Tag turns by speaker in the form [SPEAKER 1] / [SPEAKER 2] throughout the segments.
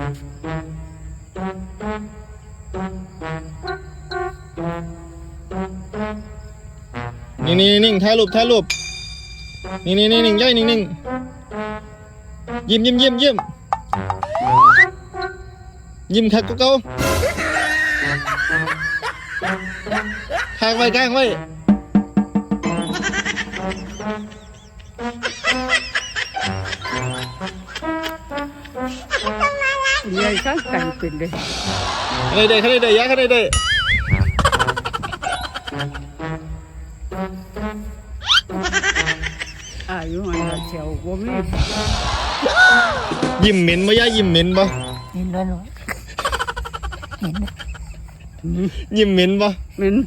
[SPEAKER 1] นี่นิ่งถ่ายรูปนี่นิ่งย่อยนิ่งยิ้มคักก็เก่าข้างไว้ใ
[SPEAKER 2] ใหญ่ข้างกันเป็นเลย
[SPEAKER 1] ข้างในได้ยะข้างในได้
[SPEAKER 2] อายุอะไรเชียวบ่มี
[SPEAKER 1] ยิ้มเหม็นบ่ย่ายิ้มเหม็นบ่
[SPEAKER 3] เห็นด้วยหนูเห็น
[SPEAKER 1] ยิ้มเหม็นบ่
[SPEAKER 2] เหม็น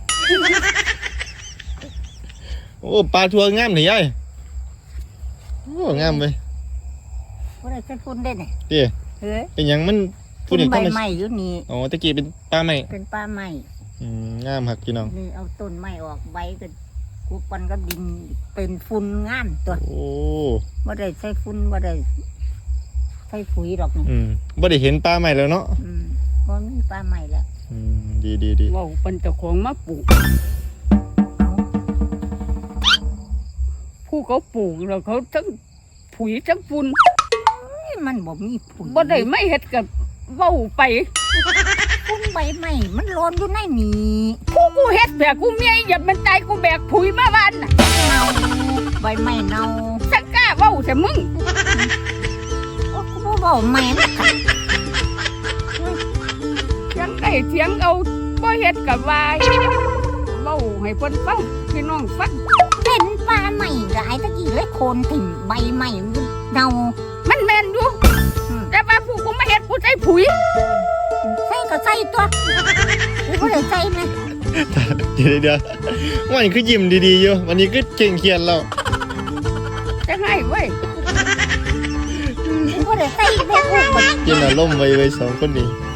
[SPEAKER 1] โอ้ปลาทัวงามนี่ยายโอ้งามไป
[SPEAKER 3] ว่าอะไรจะฟุ้นได้เนี่ย
[SPEAKER 1] เตี้ย
[SPEAKER 3] เฮ้ย
[SPEAKER 1] เป็นยังมัน
[SPEAKER 3] ฟุ้นใบไม้อยู่นี่
[SPEAKER 1] อ๋อตะกี้เป็นปลาไม้
[SPEAKER 3] เป็นปลาไม้
[SPEAKER 1] งามครับพี่น้อง
[SPEAKER 3] นี่เอาต้นไม้ออกใบก็กูปันก็ดินเป็นฝุ่นงามตัว
[SPEAKER 1] โอ้
[SPEAKER 3] ว่าได้ใส่ฝุ่นว่าได้ใส่ปุ๋ยหรอกนี่
[SPEAKER 1] บ่ได้เห็นปลาไม้แล้วเนาะ
[SPEAKER 3] ก็มีปลาไม้แล้ว
[SPEAKER 1] ดี
[SPEAKER 2] ว้าวเป็นเจ้าของมาปลูกผู้เขาปลูกแล้วเขาทั้งปุ๋ยทั้งฝุ่น
[SPEAKER 3] มันบ่มีฝุ่น
[SPEAKER 2] บ่ได้ไม่เฮ็ดกับเว้าไป
[SPEAKER 3] ฝุ่นใบไม้มันร้อนอยู่ในนี่
[SPEAKER 2] กูเฮ็ดแบกกูเมียอย่ามันตายกูแบกปุ๋ยมาบ้านน่ะ
[SPEAKER 3] เน่าใบไม้เน่า
[SPEAKER 2] สักกล้าเว้าแต่มึง
[SPEAKER 3] โอ้กูบ่เว้าแม่มันกัด
[SPEAKER 2] เสียงได้เสียงเอาบ่เฮ็ดกับวายเว้าให้เพิ่นฟังพี่น้องฟัง
[SPEAKER 3] เป็นปลาไม้หลายตะกี้เลยโคนถิ่มใบไม้เน่า
[SPEAKER 2] มันแม่นอยู่แต่ว่าผู้กูมาเฮ็ดกูใส่ปุ๋ย
[SPEAKER 3] ใส่ก็ใส่ตัวกูได้ใส่ไหม
[SPEAKER 1] เดี๋ยววันนี้คือยิ้มดีๆอยู่วันนี้คือเก่งเขียนแล้ว
[SPEAKER 2] จะให้เว้ย
[SPEAKER 3] กูได้ใส่แม่กู
[SPEAKER 1] เย็นอารมณ์ไว้2คนนี้